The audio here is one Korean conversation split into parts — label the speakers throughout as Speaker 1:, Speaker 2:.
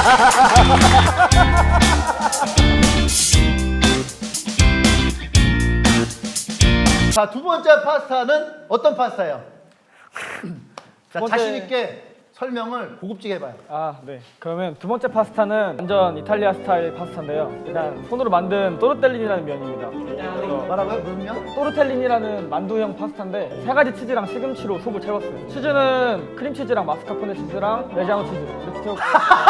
Speaker 1: 자, 두 번째 파스타는 어떤 파스타예요? 자, 자신 있게 설명을 고급지게 해봐요.
Speaker 2: 아, 네. 그러면 두 번째 파스타는 완전 이탈리아 스타일 파스타인데요. 일단 손으로 만든 또르텔린이라는 면입니다.
Speaker 1: 뭐라고요? 무슨 면?
Speaker 2: 또르텔린이라는 만두형 파스타인데 세 가지 치즈랑 시금치로 속을 채웠어요. 치즈는 크림치즈랑 마스카포네 치즈랑 레지아노 치즈 이렇게 채웠고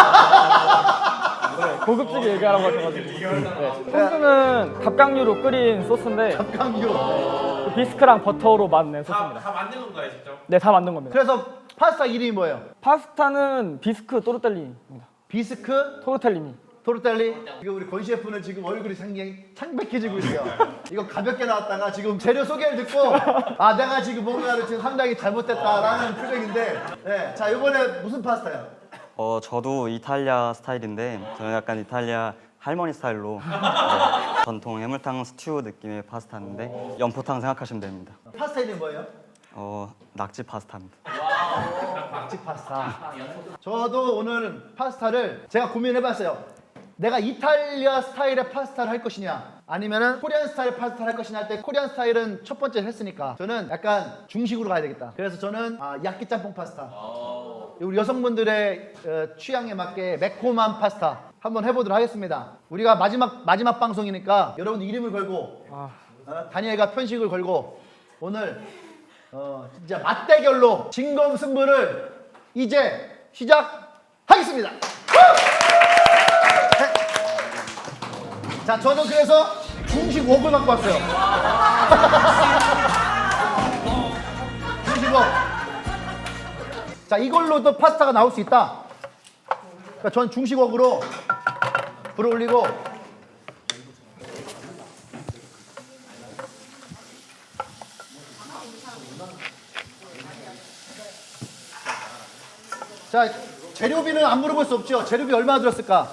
Speaker 2: 네, 고급지게 얘기하라고 하셔가지고 네. 소스는 갑각류로 끓인 소스인데
Speaker 1: 갑각류.
Speaker 2: 그 비스크랑 버터로 만든 소스입니다.
Speaker 3: 다 만든 건가요, 직접?
Speaker 2: 네, 다 만든 겁니다.
Speaker 1: 그래서 파스타 이름이 뭐예요?
Speaker 2: 파스타는 비스크 또르텔린입니다.
Speaker 1: 비스크
Speaker 2: 토르텔리니.
Speaker 1: 토르텔리. 지금 우리 권 셰프는 지금 얼굴이 상당히 창백해지고 있어요. 이거 가볍게 나왔다가 지금 재료 소개를 듣고 아 내가 지금 뭔가를 지금 상당히 잘못했다라는 표정인데 네. 자 이번에 무슨 파스타예요?
Speaker 4: 저도 이탈리아 스타일인데 저는 약간 이탈리아 할머니 스타일로 전통 해물탕 스튜 느낌의 파스타인데 연포탕 생각하시면 됩니다.
Speaker 1: 파스타 이름이 뭐예요?
Speaker 4: 낙지 파스타입니다.
Speaker 1: 낙지 파스타. 저도 오늘 파스타를 제가 고민해봤어요. 내가 이탈리아 스타일의 파스타를 할 것이냐 아니면은 코리안 스타일 파스타를 할 것이냐 할 때 코리안 스타일은 첫 번째 했으니까 저는 약간 중식으로 가야 되겠다. 그래서 저는 야끼 짬뽕 파스타. 우리 여성분들의 취향에 맞게 매콤한 파스타 한번 해보도록 하겠습니다. 우리가 마지막 방송이니까 여러분 이름을 걸고 다니엘과 편식을 걸고 오늘 진짜 맞대결로 진검승부를 이제 시작하겠습니다. 네. 자, 저는 그래서 중식 웍을 갖고 왔어요. 중식 웍. 자, 이걸로도 파스타가 나올 수 있다. 그러니까 전 중식 웍으로 불을 올리고 자, 재료비는 안 물어볼 수 없죠. 재료비 얼마나 들었을까?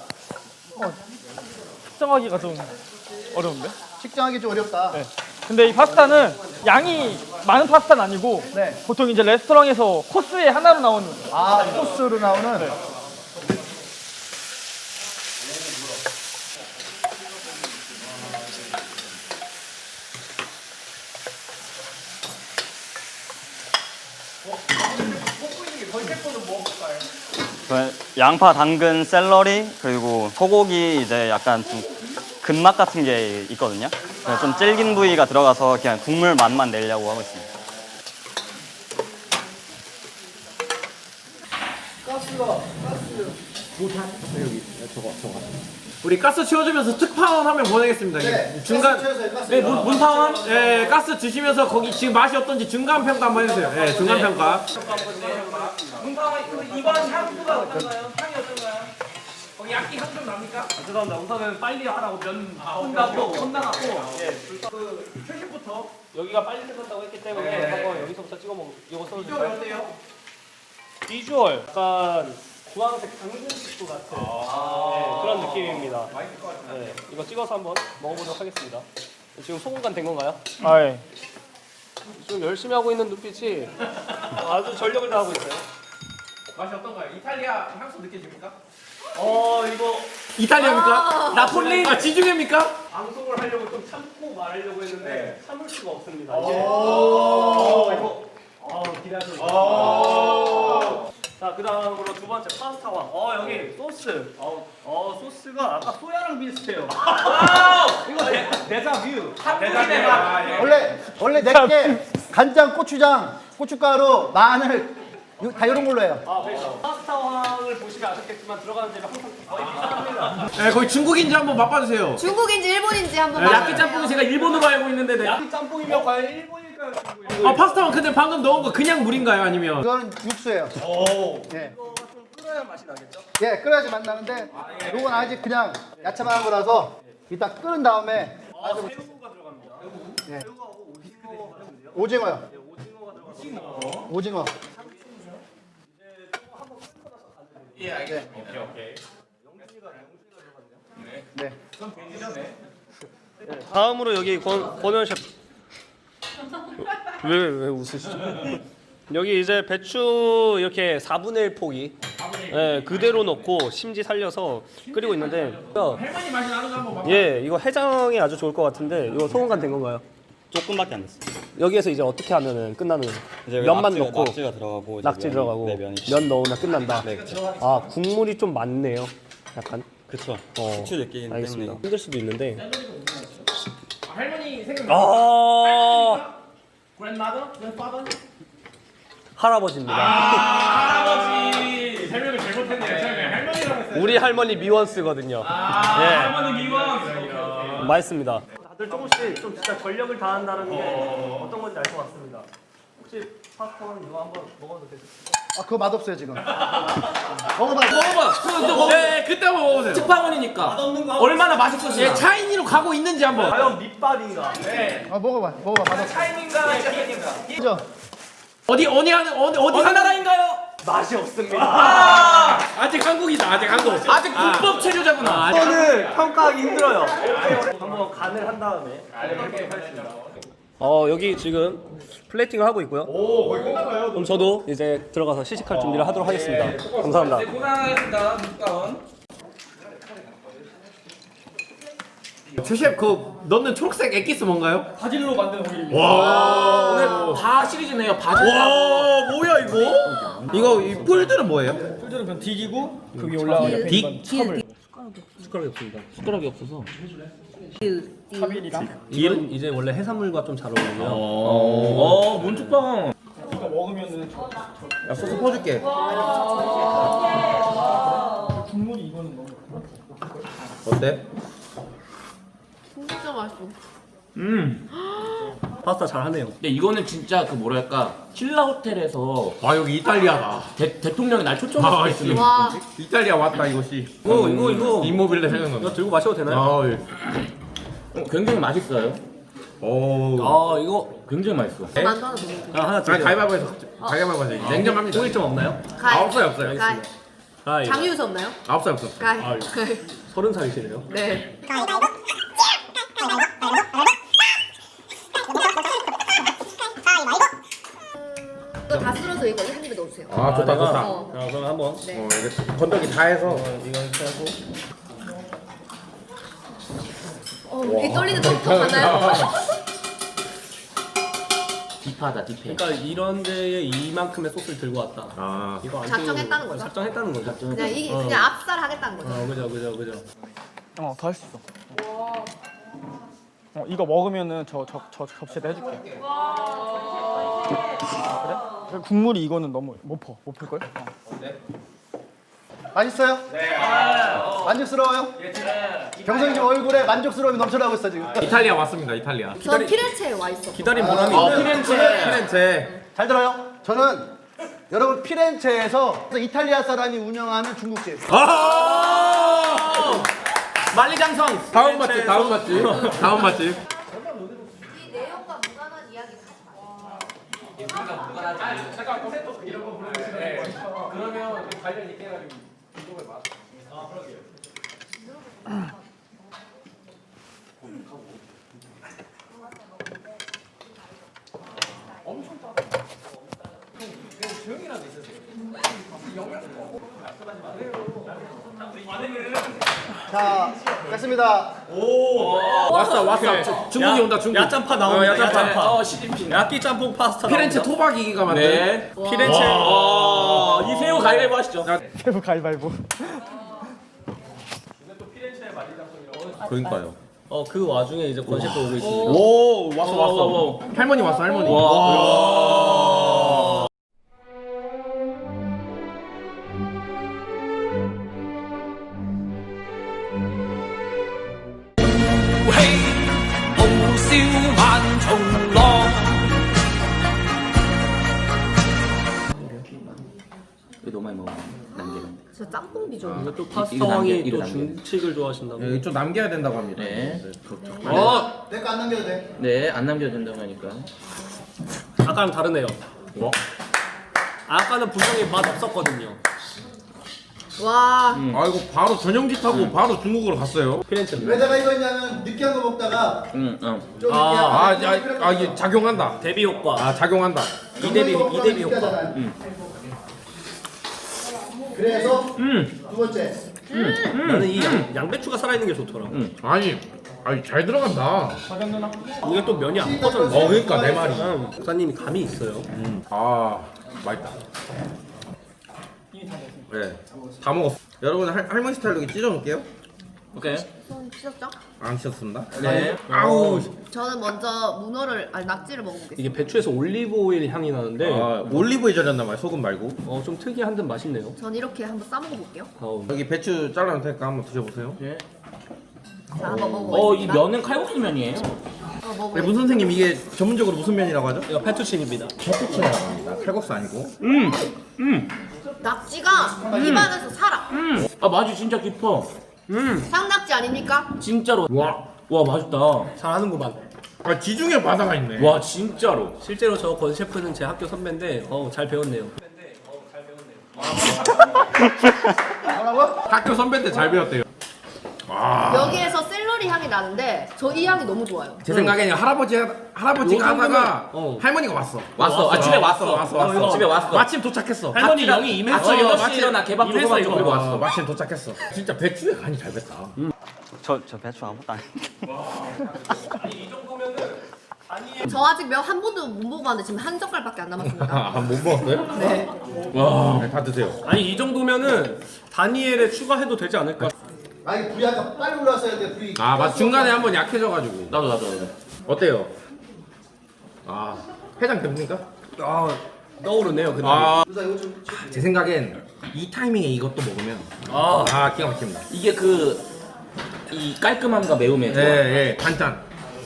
Speaker 2: 측정하기가 좀 어려운데?
Speaker 1: 측정하기 좀 어렵다.
Speaker 2: 네. 근데 이 파스타는 양이 많은 파스타는 아니고
Speaker 1: 네.
Speaker 2: 보통 이제 레스토랑에서 코스에 하나로 나오는
Speaker 1: 소스로 나오는.
Speaker 2: 네.
Speaker 4: 저는 양파, 당근, 샐러리 그리고 소고기 이제 약간 좀 근맛 같은 게 있거든요. 그래서 좀 질긴 부위가 들어가서 그냥 국물 맛만 내려고 하고 있습니다.
Speaker 3: 우리 가스 채워주면서 특파원 한 명 보내겠습니다.
Speaker 1: 네,
Speaker 3: 중간
Speaker 1: 가스 채워서요, 가스.
Speaker 3: 네, 문파원 예, 가스 드시면서 거기 지금 맛이 어떤지 중간 평가 한번 해주세요. 예, 중간 평가. 문파원 이번 향수가 어떤가요? 향이 어떤가요? 거기 약기 향 좀 납니까?
Speaker 2: 죄송합니다. 우선은 빨리 하라고 면 혼나갖고 그 최신부터 여기가 빨리 끝난다고 했기 때문에 한번 여기서부터 찍어 먹. 이거 써주세요.
Speaker 3: 어때요?
Speaker 2: 비주얼 약간 주황색 당근식도 같은 네, 그런 느낌입니다. 네, 이거 찍어서 한번 먹어보도록 하겠습니다. 지금 소금간 된 건가요? 아 예. 좀 열심히 하고 있는 눈빛이 아주 전력을 다하고 있어요.
Speaker 3: 맛이 어떤가요? 이탈리아 향수 느껴집니까?
Speaker 2: 이거
Speaker 3: 이탈리아입니까? 나폴리? 아, 지중해입니까?
Speaker 2: 방송을 하려고 좀 참고 말하려고 했는데 참을 수가 없습니다. 이게. 이거 기대하셔도 자, 그 다음으로 두 번째 파스타왕. 여기 소스. 소스가 아까 소야랑 비슷해요. 이거 데자뷰.
Speaker 3: 대단해.
Speaker 1: 원래 내게 간장, 고추장, 고춧가루, 마늘 다 이런 걸로 해요.
Speaker 2: 그러니까 파스타왕을 보시면 아셨겠지만 들어가는 재료 항상 거의 비슷합니다.
Speaker 3: 네, 거기 중국인지 한번 맛봐주세요.
Speaker 5: 중국인지 일본인지 한번
Speaker 3: 야끼 짬뽕이 제가 일본으로 알고 있는데 네.
Speaker 2: 야끼 짬뽕이면 과연 일본일까요? 중국일까요?
Speaker 3: 파스타만 근데 방금 넣은 거 그냥 물인가요? 아니면?
Speaker 1: 이거는 육수예요. 네.
Speaker 2: 끓여야 맛이 나겠죠?
Speaker 1: 예, 끓여야지 맛 나는데 이건 아직 그냥 야채만 한 거라서 이따 끓은 다음에
Speaker 2: 새우가 들어갑니다.
Speaker 1: 네.
Speaker 2: 새우하고 오징어 같은데요?
Speaker 1: 오징어요.
Speaker 2: 오징어가 들어갑니다.
Speaker 1: 오징어.
Speaker 3: 예, 알겠습니다. 오케이.
Speaker 1: 네.
Speaker 2: 다음으로 여기 권현 셰프. 왜 웃으시죠? 여기 이제 배추 이렇게 4분의 1 포기. 예, 그대로 넣고 심지 살려서 끓이고 있는데
Speaker 3: 할머니 맛이 나는 거 한번 봐봐.
Speaker 2: 예, 이거 해장이 아주 좋을 것 같은데 이거 소금간 된 건가요?
Speaker 4: 조금밖에 안 됐어.
Speaker 2: 여기에서 이제 어떻게 하면은 끝나는
Speaker 4: 이제
Speaker 2: 면만
Speaker 4: 낙지가-
Speaker 2: 넣고
Speaker 4: 낙지가 들어가고 이제
Speaker 2: 낙지
Speaker 4: 면이-
Speaker 2: 들어가고
Speaker 4: 네, 면이.
Speaker 2: 면 넣으면 끝난다.
Speaker 4: 네, 그렇죠.
Speaker 2: 아 국물이 좀 많네요. 약간
Speaker 4: 그쵸.
Speaker 2: 어,
Speaker 4: 후추 느끼기
Speaker 2: 알겠습니다.
Speaker 4: 때문에.
Speaker 2: 힘들 수도 있는데.
Speaker 3: 할머니 생각나.
Speaker 2: 아
Speaker 3: grandmother, grandfather.
Speaker 2: 할아버지입니다.
Speaker 3: 할아버지 설명을 잘못했네요. 할머니라고 했어요.
Speaker 2: 우리 할머니 미원스거든요.
Speaker 3: 할머니 미원.
Speaker 2: 예, 맛있습니다. 다들 조금씩 좀 진짜 전력을 다한다는 게 어떤 건지 알 것 같습니다. 혹시 팝콘 이거 한번 먹어도 되죠?
Speaker 1: 아 그거 맛없어요 지금. 먹어봐.
Speaker 3: 먹어봐. 네, 그때 한번 먹어보세요. 특파원이니까 얼마나 맛있었지? 예, 차이니로 가고 있는지 한번.
Speaker 2: 과연 밑밥인가?
Speaker 1: 아 먹어봐. 맛없어.
Speaker 3: 차이니인가 비행인가?
Speaker 1: 그죠?
Speaker 3: 어디 나라인가요?
Speaker 2: 맛이 없습니다.
Speaker 3: 아직 한국이다. 아직 한국. 아직 불법 체류자구나.
Speaker 2: 이거는 평가하기 힘들어요. 한번 간을 한 다음에. 여기 지금 플레이팅을 하고 있고요. 오, 거의 끝나가요. 그럼 저도 이제 들어가서 시식할 준비를 하도록 하겠습니다. 감사합니다.
Speaker 3: 고생하셨습니다. 특파원. 최셰프 그 넣는 초록색 액기스 뭔가요?
Speaker 2: 바질로 만든 오일입니다.
Speaker 3: 와 오늘 다 시리즈네요. 바질. 와 뭐야 이거? 이거 이 뿔들은 뭐예요?
Speaker 2: 풀들은 그냥 딕이고 그 위에 올라가는
Speaker 3: 딕?
Speaker 2: 첨을. 숟가락이 없습니다.
Speaker 3: 숟가락이 없어서.
Speaker 2: 차빌이랑 딜은 이제 원래 해산물과 좀 잘 어울리고요.
Speaker 3: 문축빵.
Speaker 2: 이거 먹으면은
Speaker 3: 야 소스 퍼줄게.
Speaker 2: 국물이 이거는 너무
Speaker 3: 어때?
Speaker 5: 진짜 맛있어.
Speaker 2: 파스타 잘 하네요.
Speaker 6: 근데 이거는 진짜 그 뭐랄까 신라 호텔에서
Speaker 3: 아 여기 이탈리아다.
Speaker 6: 대통령이 날 초청했을 때 쓰는
Speaker 5: 와.
Speaker 3: 이탈리아 왔다 이것이.
Speaker 2: 이거
Speaker 3: 이모빌레 생각난다.
Speaker 2: 이거 들고 마셔도 되나요?
Speaker 3: 아 예.
Speaker 6: 굉장히 맛있어요.
Speaker 3: 오.
Speaker 2: 이거
Speaker 6: 굉장히 맛있어.
Speaker 5: 만두 하나 더 먹을게요.
Speaker 2: 하나
Speaker 3: 아
Speaker 2: 드세요.
Speaker 3: 가위바위보에서 냉정합니다. 냉정합니다.
Speaker 2: 호일점 없나요?
Speaker 5: 가위.
Speaker 3: 없어요.
Speaker 5: 가위. 장유수 없나요?
Speaker 3: 없어요.
Speaker 5: 가위.
Speaker 2: 아,
Speaker 5: 가위.
Speaker 2: 30살이시네요.
Speaker 5: 네. 이거 다 쓸어서 이거 한 입에 넣어주세요.
Speaker 3: 아 좋다 좋다.
Speaker 5: 어.
Speaker 2: 그럼 한번
Speaker 5: 네.
Speaker 3: 이게 건더기 다 해서.
Speaker 2: 이거 이렇게 하고
Speaker 5: 이 떨리는 톡톡 가나요?
Speaker 6: 딥하다 딥해.
Speaker 2: 그러니까 이런 데에 이만큼의 소스를 들고 왔다.
Speaker 3: 아.
Speaker 2: 이거 안
Speaker 5: 작정했다는 거죠?
Speaker 2: 작정했다는 거죠.
Speaker 5: 그냥 이게 그냥 압살 하겠다는 거죠.
Speaker 2: 그죠.
Speaker 7: 더 할 수 있어. 이거 먹으면은 저 접시에다 해줄게. 그래? 국물이 이거는 너무 못 풀걸?
Speaker 1: 맛있어요? 네. 만족스러워요? 경성이 지금 얼굴에 만족스러움이 넘쳐나고 있어 지금.
Speaker 3: 이탈리아 왔습니다. 이탈리아.
Speaker 5: 전 피렌체에 와 있어.
Speaker 2: 기다린 보람이 있네.
Speaker 3: 피렌체.
Speaker 1: 잘 들어요? 저는 여러분 피렌체에서 이탈리아 사람이 운영하는 중국집.
Speaker 3: 만리장성. 다음 맛집. 다음 맛집.
Speaker 5: 이 내용과 무관한 이야기 하지 마.
Speaker 1: 자, 됐습니다.
Speaker 3: 왔어. 중국이 온다. 중국.
Speaker 2: 야짬파 나옵니다. 야짬파.
Speaker 6: 시진핑.
Speaker 2: 야끼 짬뽕 파스타.
Speaker 3: 피렌체 토박이기가 만든.
Speaker 6: 네.
Speaker 2: 피렌체.
Speaker 6: 이 새우 가위바위보 하시죠.
Speaker 7: 세부 가위바위보.
Speaker 3: 그러니까요.
Speaker 2: 그 와중에 이제 권셰프 오고 있습니다.
Speaker 3: 오 왔어. 할머니 왔어 할머니.
Speaker 6: 이거 너무 많이 먹어. 남기는.
Speaker 5: 진짜 짬뽕 비주얼.
Speaker 2: 또
Speaker 6: 이거
Speaker 2: 파스타왕이
Speaker 6: 남겨,
Speaker 2: 또
Speaker 6: 이거 남겨.
Speaker 2: 중식을 좋아하신다고.
Speaker 3: 여기 좀 남겨야 된다고 합니다.
Speaker 6: 네.
Speaker 1: 내 거 안 남겨도 돼.
Speaker 6: 네, 안 남겨도 된다고 하니까.
Speaker 2: 아까랑 다르네요.
Speaker 3: 뭐?
Speaker 2: 아까는 분명히 맛 없었거든요.
Speaker 5: 와.
Speaker 3: 아 이거 바로 전용기타고 바로 중국으로 갔어요.
Speaker 2: 피렌체.
Speaker 1: 왜 내가 이거 했냐면 느끼한 거 먹다가
Speaker 6: 응.
Speaker 1: 좀
Speaker 3: 이게 작용한다.
Speaker 2: 대비 효과.
Speaker 3: 아 작용한다.
Speaker 2: 이대비 효과.
Speaker 1: 그래서 두 번째.
Speaker 2: 나는 이 양배추가 살아있는 게 좋더라.
Speaker 3: 아니 잘 들어간다.
Speaker 2: 이게 또 면이 안 퍼져.
Speaker 3: 그러니까 내 말이.
Speaker 2: 목사님이 감이 있어요.
Speaker 3: 아 맛있다. 네, 다 먹었어. 여러분 할머니 스타일로 이렇게 찢어 놓을게요.
Speaker 6: 오케이.
Speaker 5: 손 씻었죠?
Speaker 3: 안 씻었습니다.
Speaker 6: 네.
Speaker 3: 아우.
Speaker 5: 저는 먼저 문어를 아니 낙지를 먹어보겠습니다.
Speaker 2: 이게 배추에서 올리브 오일 향이 나는데
Speaker 3: 올리브에 절였나 봐요. 소금 말고.
Speaker 2: 좀 특이한 듯 맛있네요.
Speaker 5: 전 이렇게 한번 싸 먹어볼게요.
Speaker 3: 여기 배추 잘라놓을 테니까 한번 드셔보세요.
Speaker 5: 자, 한번 먹어보겠습니다.
Speaker 6: 이 면은 칼국수 면이에요.
Speaker 3: 네, 문 선생님 이게 전문적으로 무슨 면이라고 하죠?
Speaker 2: 이거 페투치니입니다.
Speaker 3: 페투치네라고 합니다. 칼국수 아니고.
Speaker 5: 낙지가 입안에서 살아.
Speaker 6: 아 맛이 진짜 깊어.
Speaker 5: 상낙지 아닙니까?
Speaker 6: 진짜로. 와 맛있다.
Speaker 2: 잘하는구만.
Speaker 3: 아 지중해 바다가 있네.
Speaker 6: 와 진짜로.
Speaker 2: 실제로 저 권 셰프는 제 학교 선배인데 잘 배웠네요.
Speaker 1: 뭐라고?
Speaker 3: 학교 선배인데 잘 배웠대요.
Speaker 5: 여기에서 샐러리 향이 나는데 저 이 향이 너무 좋아요.
Speaker 3: 제 생각에는 할아버지가 하다가
Speaker 2: 어.
Speaker 3: 할머니가 왔어.
Speaker 6: 집에 왔어. 집에 왔어.
Speaker 3: 마침 도착했어.
Speaker 2: 할머니 영이 임했어.
Speaker 6: 아침 8시 일어나 개밥
Speaker 2: 임했어,
Speaker 6: 조그만
Speaker 2: 이거.
Speaker 6: 그리고 왔어.
Speaker 3: 마침 도착했어. 진짜 배추에 간이 잘 뱄다.
Speaker 4: 저 배추 아무것도 안 했는데.
Speaker 2: 이 정도면은
Speaker 5: 저 아직 면 한 번도 못 먹어봤는데 지금 한 젓갈밖에 안 남았습니다.
Speaker 3: 못 먹었어요?
Speaker 5: 네.
Speaker 3: 와, 다 드세요.
Speaker 2: 아니 이 정도면은 다니엘에 추가해도 되지 않을까?
Speaker 1: 아니 불이 아까 빨리 올라왔어야 돼 불이.
Speaker 3: 맞 중간에 한번 약해져가지고.
Speaker 6: 나도.
Speaker 3: 어때요? 해장 됩니까?
Speaker 2: 떠오르네요. 근데
Speaker 1: 누나 이거 좀.
Speaker 3: 제 생각엔 이 타이밍에 이것도 먹으면 기가 막힙니다.
Speaker 6: 이게 이 깔끔함과 매움의 조합.
Speaker 3: 예, 단짠.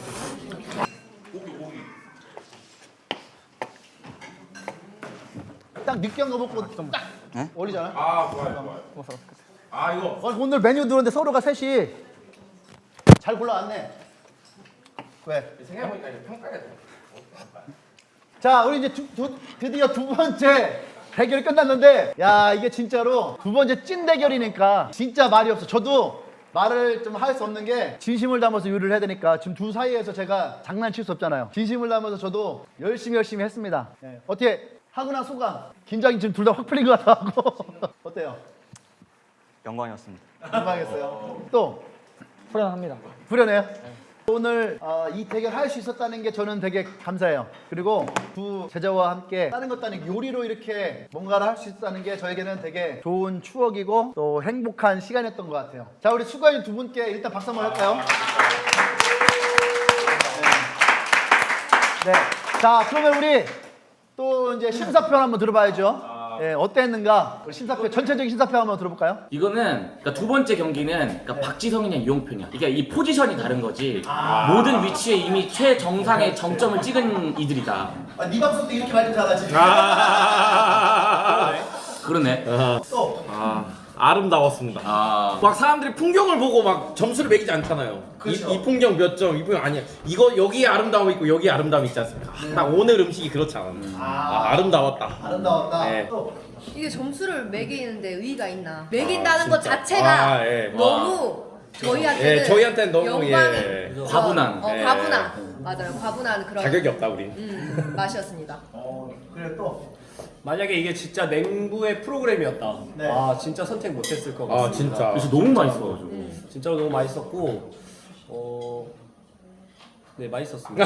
Speaker 1: 딱 느끼한 거 먹고 딱 어울리잖아.
Speaker 3: 좋아요. 이거.
Speaker 1: 오늘 메뉴 들었는데 서로가 셋이 잘 골라왔네. 왜?
Speaker 3: 생각해보니까 이거 평가가 돼.
Speaker 1: 자, 우리 이제 드디어 두 번째 대결이 끝났는데, 야 이게 진짜로 두 번째 찐 대결이니까 진짜 말이 없어. 저도 말을 좀 할 수 없는 게 진심을 담아서 요리를 해야 되니까 지금 둘 사이에서 제가 장난칠 수 없잖아요. 진심을 담아서 저도 열심히 했습니다. 네. 어떻게 하거나 소감? 긴장이 지금 둘 다 확 풀린 것 같아고 어때요?
Speaker 4: 영광이었습니다.
Speaker 1: 민망했어요. 또
Speaker 7: 후련합니다.
Speaker 1: 후련해요? 오늘 이 대결 할 수 있었다는 게 저는 되게 감사해요. 그리고 두 제자와 함께 다른 것도 아니고 요리로 이렇게 뭔가를 할 수 있었다는 게 저에게는 되게 좋은 추억이고 또 행복한 시간이었던 것 같아요. 자, 우리 수고해준 두 분께 일단 박수 한번 할까요? 네. 자, 그러면 우리 또 이제 심사평 한번 들어봐야죠. 예, 어땠는가? 우리 심사평, 전체적인 심사평 한번 들어볼까요?
Speaker 6: 이거는 그러니까 두 번째 경기는 박지성이냐 이용표냐. 그러니까 이 포지션이 다른 거지. 모든 위치에 이미 최정상의 정점을 찍은 이들이다.
Speaker 1: 네 방송 때 이렇게 말좀 잘하지.
Speaker 6: 그러네.
Speaker 1: 또
Speaker 3: 아름다웠습니다. 막 사람들이 풍경을 보고 막 점수를 매기지 않잖아요.
Speaker 1: 그렇죠.
Speaker 3: 이 풍경 몇 점, 이 풍경 아니야. 이거 여기에 아름다움이 있고 여기에 아름다움이 있지 않습니까? 딱 오늘 음식이 그렇지 않아. 아름다웠다.
Speaker 1: 아름다웠다.
Speaker 3: 네.
Speaker 1: 또
Speaker 5: 이게 점수를 매기는데 의의가 있나? 매긴다는 것 자체가
Speaker 3: 예.
Speaker 5: 너무 저희한테는
Speaker 3: 예, 저희한테는 너무
Speaker 5: 영광의
Speaker 6: 과분한.
Speaker 5: 과분한 맞아요. 과분한 그런
Speaker 3: 자격이 없다 우리.
Speaker 5: 맛이었습니다.
Speaker 1: 그래 또.
Speaker 2: 만약에 이게 진짜 냉부의 프로그램이었다.
Speaker 1: 네.
Speaker 2: 진짜 선택 못했을 것 같습니다.
Speaker 3: 진짜.
Speaker 6: 그래서 너무 맛있어가지고.
Speaker 2: 진짜로 너무 맛있었고, 네 맛있었습니다.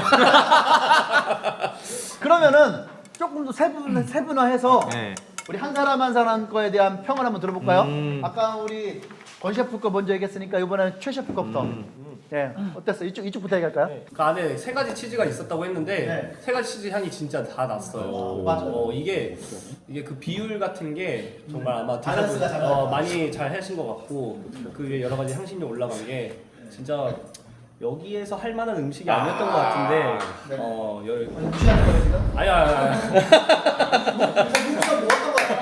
Speaker 1: 그러면은 조금 더 세분화해서
Speaker 3: 네.
Speaker 1: 우리 한 사람 한 사람 거에 대한 평을 한번 들어볼까요? 아까 우리 권 셰프 거 먼저 얘기했으니까 이번에는 최 셰프 거부터. 네, 어땠어? 이쪽부터 얘기할까요?
Speaker 2: 그 안에 세 가지 치즈가 있었다고 했는데
Speaker 1: 네.
Speaker 2: 세 가지 치즈 향이 진짜 다 났어요.
Speaker 1: 맞아.
Speaker 2: 이게 그 비율 같은 게 정말 아마
Speaker 1: 밸런스가 잘 맞았다.
Speaker 2: 많이 잘 하신 것 같고 그게 여러 가지 향신료 올라간 게 진짜 여기에서 할 만한 음식이 아니었던 것 같은데
Speaker 1: 네.
Speaker 2: 무시하는
Speaker 1: 거예요 지금?
Speaker 2: 아니야.
Speaker 1: 무시가 뭐 어떤 거야?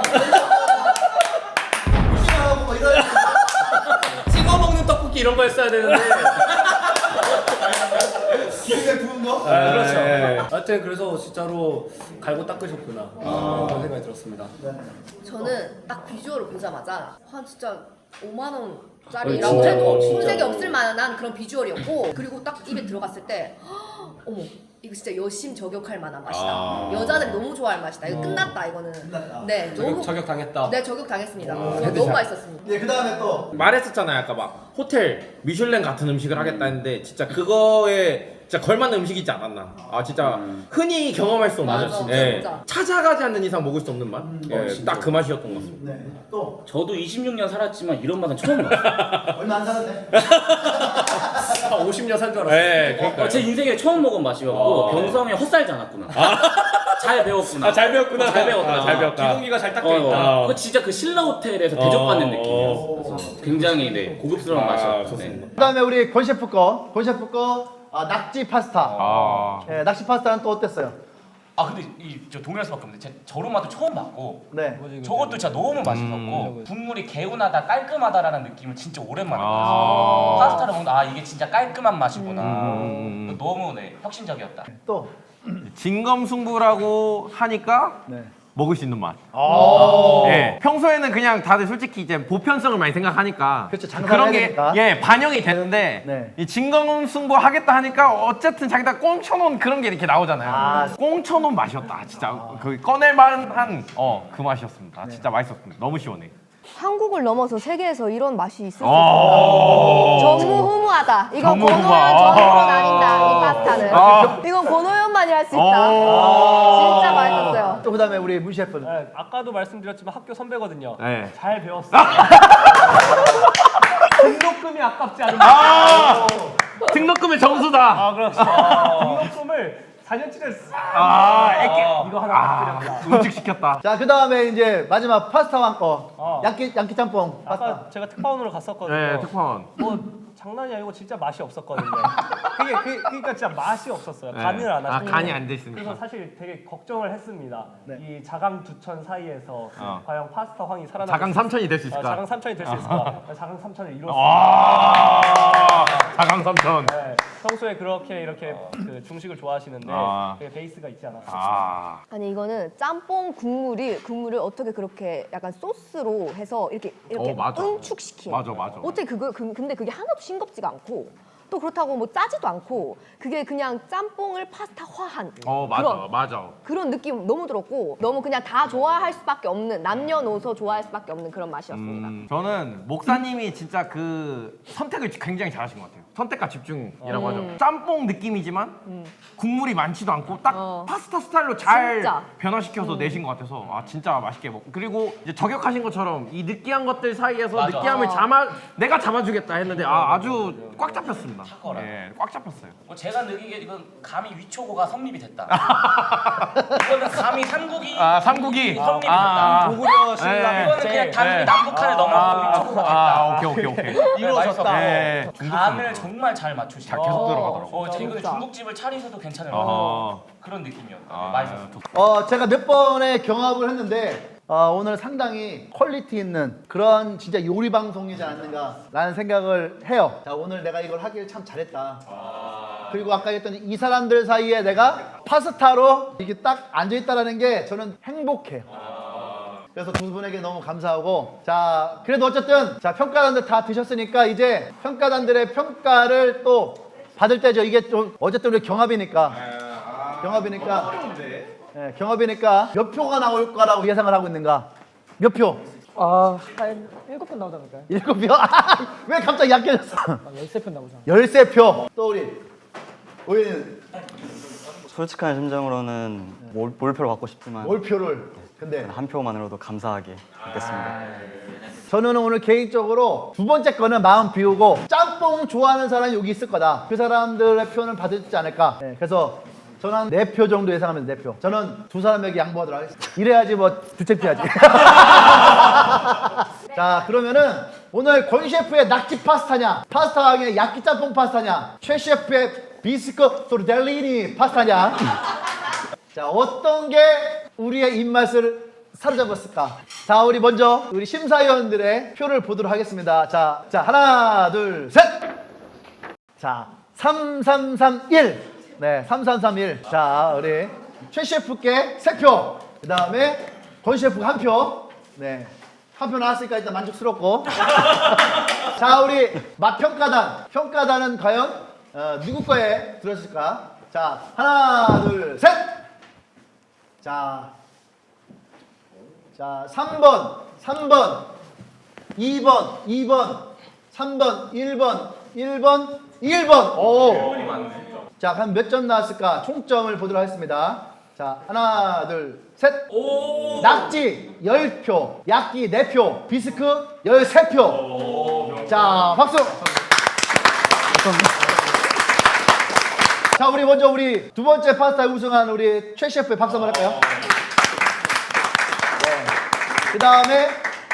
Speaker 1: 무시하고 뭐 이런.
Speaker 2: 찍어 먹는 떡볶이 이런 거 했어야 되는데.
Speaker 1: 기름에 부은 거?
Speaker 2: 그렇죠.
Speaker 3: 네.
Speaker 2: 하여튼 그래서 진짜로 갈고 닦으셨구나 그런 생각이 들었습니다.
Speaker 5: 저는 딱 비주얼을 보자마자 한 진짜 5만
Speaker 6: 오,
Speaker 5: 원짜리라고 해도
Speaker 6: 진짜.
Speaker 5: 손색이 없을 만한 그런 비주얼이었고 그리고 딱 입에 들어갔을 때 어머 이거 진짜 여심 저격할 만한 맛이다. 여자들이 너무 좋아할 맛이다. 이거 끝났다 이거는. 네, 너무
Speaker 3: 저격당했다.
Speaker 5: 네, 저격당했습니다. 너무 맛있었습니다.
Speaker 1: 예, 그 다음에 또
Speaker 3: 말했었잖아요 아까 막 호텔 미슐랭 같은 음식을 하겠다 했는데 진짜 그거에 진짜 걸맞는 음식이지 않았나. 아 진짜 흔히 경험할 수 없는
Speaker 5: 맞아,
Speaker 3: 예.
Speaker 5: 진짜.
Speaker 3: 찾아가지 않는 이상 먹을 수 없는 맛. 예, 딱 그 맛이었던 것 같습니다.
Speaker 1: 네, 또
Speaker 6: 저도 26년 살았지만 이런 맛은 처음 봤어요.
Speaker 1: 얼마 안 살았네.
Speaker 2: 50년 산 줄 알았어요.
Speaker 3: 예, 그러니까
Speaker 6: 제 인생에 처음 먹은 맛이었고 병성이 헛살지 않았구나. 잘 배웠구나.
Speaker 3: 잘 배웠구나.
Speaker 6: 잘 배웠다.
Speaker 3: 잘 배웠다.
Speaker 2: 기동기가 잘 닦여 있다.
Speaker 6: 그거 진짜 그 신라 호텔에서 대접받는 느낌이었어. 그래서 굉장히 네, 고급스러운 맛이었어요.
Speaker 3: 좋습니다.
Speaker 1: 그 다음에 우리 권 셰프 거 낙지 파스타. 예, 낙지 파스타는 또 어땠어요?
Speaker 8: 아 근데 저 동일할 수밖에 없는데 제가 저런 맛도 처음 봤고
Speaker 1: 네.
Speaker 8: 저것도 진짜 너무 맛있었고 국물이 개운하다 깔끔하다라는 느낌을 진짜 오랜만에 받았어요. 파스타를 먹는데 이게 진짜 깔끔한 맛이구나. 너무 혁신적이었다.
Speaker 1: 또
Speaker 3: 진검승부라고 하니까
Speaker 1: 네.
Speaker 3: 먹을 수 있는 맛.
Speaker 1: 아.
Speaker 3: 예. 평소에는 그냥 다들 솔직히 이제 보편성을 많이 생각하니까
Speaker 1: 그렇죠, 장사를
Speaker 3: 그런
Speaker 1: 해야
Speaker 3: 게
Speaker 1: 되니까.
Speaker 3: 예, 반영이 되는데
Speaker 1: 네.
Speaker 3: 이 진검승부 하겠다 하니까 어쨌든 자기가 꽁쳐놓은 그런 게 이렇게 나오잖아요. 꽁쳐놓은 맛이었다. 진짜 그 꺼낼 만한 그 맛이었습니다. 진짜 맛있었습니다. 너무 시원해.
Speaker 9: 한국을 넘어서 세계에서 이런 맛이 있을 수 있을까? 전무후무하다. 이건
Speaker 3: 전무후무하.
Speaker 9: 권호연 전무로 나뉜다. 이 파스타는. 이건 권호연만이 할 수 있다. 진짜 맛있었어요.
Speaker 1: 또 그다음에 우리 문 셰프는
Speaker 2: 네, 아까도 말씀드렸지만 학교 선배거든요.
Speaker 3: 네.
Speaker 2: 잘 배웠어요. 등록금이 아깝지 않은가.
Speaker 3: 등록금의 정수다.
Speaker 2: 그렇죠. 등록금을 4년치를 이거 하나 부탁드립니다.
Speaker 3: 음식시켰다.
Speaker 1: 자, 그 다음에 이제 마지막 파스타 왕거 양키 짬뽕 파스타.
Speaker 2: 아까 제가 특파원으로 갔었거든요.
Speaker 3: 네, 특파원.
Speaker 2: 뭐 장난이 아니고 진짜 맛이 없었거든요. 그러니까 진짜 맛이 없었어요.
Speaker 3: 네.
Speaker 2: 간을 안 하시고.
Speaker 3: 간이 안 돼 있으니까.
Speaker 2: 그래서 사실 되게 걱정을 했습니다.
Speaker 1: 네.
Speaker 2: 이 자강 두천 사이에서 과연 파스타 황이 살아날
Speaker 3: 자강 삼천이 될 수 있을까?
Speaker 2: 자강 삼천이 될 수 있을까? 자강 삼천을 이뤘습니다.
Speaker 3: 자강 삼천.
Speaker 2: 네, 평소에 그렇게 이렇게 그 중식을 좋아하시는데 되게 베이스가 있지 않았어요.
Speaker 9: 아니 이거는 짬뽕 국물을 어떻게 그렇게 약간 소스로 해서 이렇게
Speaker 3: 맞아.
Speaker 9: 응축시킨.
Speaker 3: 맞아.
Speaker 9: 어떻게 근데 그게 하나도 싱겁지가 않고 또 그렇다고 뭐 짜지도 않고 그게 그냥 짬뽕을 파스타화한
Speaker 3: 맞아.
Speaker 9: 그런 느낌 너무 들었고 너무 그냥 다 좋아할 수밖에 없는 남녀노소 좋아할 수밖에 없는 그런 맛이었습니다.
Speaker 3: 저는 목사님이 진짜 그 선택을 굉장히 잘하신 것 같아요. 선택과 집중이라고 하죠. 짬뽕 느낌이지만 국물이 많지도 않고 딱 파스타 스타일로 잘
Speaker 9: 진짜.
Speaker 3: 변화시켜서 내신 것 같아서 진짜 맛있게 먹고 그리고 이제 저격하신 것처럼 이 느끼한 것들 사이에서
Speaker 8: 맞아.
Speaker 3: 느끼함을 내가 잡아주겠다 했는데 아주 꽉 잡혔습니다. 예, 꽉 잡혔어요.
Speaker 8: 제가 느끼기에 이건 감히 위초고가 성립이 됐다. 이거는 감히 삼국이
Speaker 3: 삼국이.
Speaker 8: 성립이 됐다.
Speaker 2: 고구려 신라
Speaker 8: 이거는 그냥 단순히 남북한을 넘어서 위초고가 됐다.
Speaker 3: 오케이.
Speaker 2: 이루어졌다.
Speaker 3: 예,
Speaker 8: 간을 정말 잘 맞추시고
Speaker 3: 계속 들어가더라고.
Speaker 8: 이거는 중국집을 차리셔도 괜찮을 만한 그런 느낌이었다. 맛있었어.
Speaker 1: 제가 몇 번의 경합을 했는데 오늘 상당히 퀄리티 있는 그런 진짜 요리 방송이지 않는가라는 생각을 해요. 자, 오늘 내가 이걸 하길 참 잘했다. 그리고 아까 했더니 이 사람들 사이에 내가 파스타로 이게 딱 앉아있다라는 게 저는 행복해요. 그래서 두 분에게 너무 감사하고 자 그래도 어쨌든 자 평가단들 다 드셨으니까 이제 평가단들의 평가를 또 받을 때죠. 이게 좀 어쨌든 우리 경합이니까 네, 경합이니까 몇 표가 나올 거라고 예상을 하고 있는가? 몇 표?
Speaker 7: 한 7편 나오지 않을까요?
Speaker 1: 7표? 왜 갑자기 약해졌어?
Speaker 7: 13편 나오잖아.
Speaker 1: 13표. 또 우리는
Speaker 4: 솔직한 심정으로는 몰표를 받고 싶지만
Speaker 1: 몰표를 근데
Speaker 4: 한 표만으로도 감사하게 받겠습니다.
Speaker 1: 저는 오늘 개인적으로 두 번째 거는 마음 비우고 짬뽕 좋아하는 사람이 여기 있을 거다. 그 사람들의 표는 받지 않을까. 네, 그래서 저는 한 4표 정도 예상합니다. 4표. 저는 두 사람에게 양보하도록 하겠습니다. 이래야지 뭐 주책피하지. 자, 그러면은 오늘 권 셰프의 낙지 파스타냐, 파스타왕의 야끼 짬뽕 파스타냐, 최 셰프의 비스코 토르델리니 파스타냐. 자, 어떤 게 우리의 입맛을 사로잡았을까? 자, 우리 먼저 우리 심사위원들의 표를 보도록 하겠습니다. 자, 하나, 둘, 셋. 자, 3331. 네, 3331. 자, 우리 최 셰프께 3표. 그 다음에 권 셰프가 1표. 네. 한 표 나왔으니까 일단 만족스럽고. 자, 우리 맛평가단. 평가단은 과연 누구 거에 들었을까? 자, 하나, 둘, 셋. 자, 3번, 2번, 3번, 1번. 오. 자, 그럼 몇 점 나왔을까? 총점을 보도록 하겠습니다. 자, 하나, 둘, 셋. 낙지 10표, 약기 4표, 비스크 13표. 자, 박수. 자, 우리 먼저 우리 두 번째 파스타 우승한 우리 최 셰프의 박수 한번 할까요? 네. 그 다음에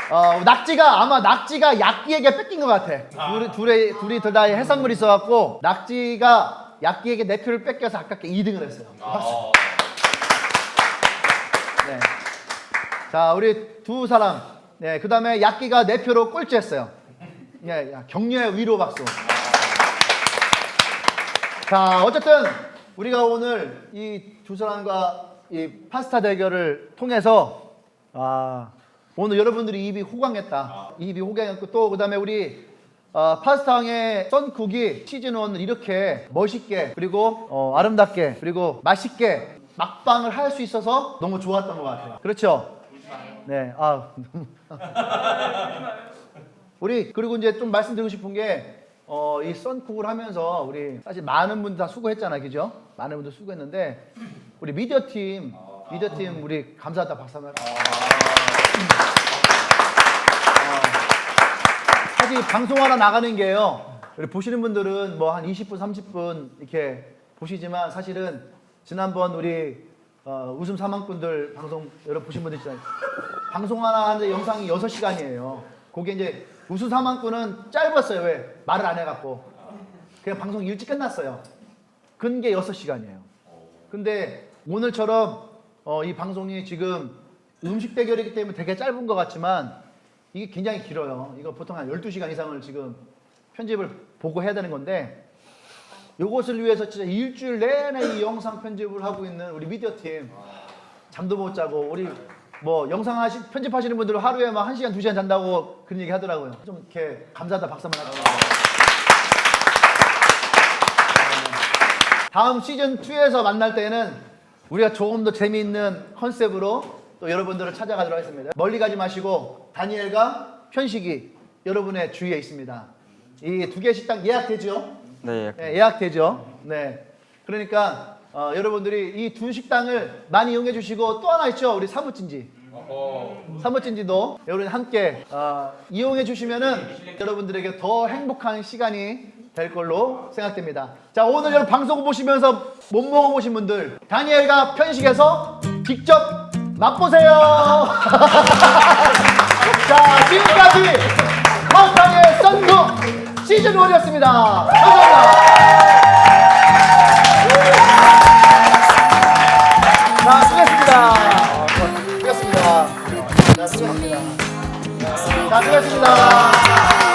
Speaker 1: 낙지가 약기에게 뺏긴 것 같아. 둘이 다 해산물이 있어갖고 낙지가 약기에게 4표를 뺏겨서 아깝게 2등을 했어요. 박수. 네. 자, 우리 두 사람. 네, 그 다음에 약기가 4표로 꼴찌했어요. 예, 격려의 위로 박수. 자, 어쨌든 우리가 오늘 이 두 사람과 이 파스타 대결을 통해서 오늘 여러분들이 입이 호강했고 또 그다음에 우리 파스타왕의 썬쿡이 시즌1을 이렇게 멋있게 그리고 아름답게 그리고 맛있게 막방을 할 수 있어서 너무 좋았던 것 같아요. 그렇죠? 네. 우리 그리고 이제 좀 말씀드리고 싶은 게 이 썬쿡을 하면서 우리 사실 많은 분들 다 수고했잖아요, 그죠? 많은 분들 수고했는데 우리 미디어팀 우리 감사하다 박수 한번 할까요? 사실 방송 하나 나가는 게요. 우리 보시는 분들은 뭐 한 20분, 30분 이렇게 보시지만 사실은 지난번 우리 웃음 사망꾼들 방송 여러분 보신 분들 있잖아요. 방송 하나 하는데 영상이 6시간이에요. 그게 이제 웃음 사망꾼은 짧았어요. 왜? 말을 안 해갖고. 그냥 방송이 일찍 끝났어요. 근게 6시간이에요. 근데 오늘처럼 이 방송이 지금 음식 대결이기 때문에 되게 짧은 것 같지만 이게 굉장히 길어요. 이거 보통 한 12시간 이상을 지금 편집을 보고 해야 되는 건데 이것을 위해서 진짜 일주일 내내 이 영상 편집을 하고 있는 우리 미디어팀 잠도 못 자고 우리 뭐 영상 편집하시는 분들은 하루에 막 1시간, 2시간 잔다고 그런 얘기 하더라고요. 좀 이렇게 감사하다 박수 한번 할게요. 다음 시즌2에서 만날 때는 우리가 조금 더 재미있는 컨셉으로 또 여러분들을 찾아가도록 하겠습니다. 멀리 가지 마시고 다니엘과 편식이 여러분의 주위에 있습니다. 이 두 개 식당 예약되죠?
Speaker 4: 네.
Speaker 1: 네, 예약되죠. 네. 그러니까 여러분들이 이 두 식당을 많이 이용해 주시고 또 하나 있죠. 우리 사무찜지. 사무찜지도 여러분 함께 이용해 주시면은 여러분들에게 더 행복한 시간이 될 걸로 생각됩니다. 자, 오늘 여러분 방송 보시면서 못 먹어보신 분들 다니엘과 편식에서 직접 맛보세요. 자, 지금까지 파스타의 썬쿡 시즌1이었습니다. 감사합니다. 자, 수고했습니다. 수고했습니다. 자, 수고했습니다. 자, 수고했습니다.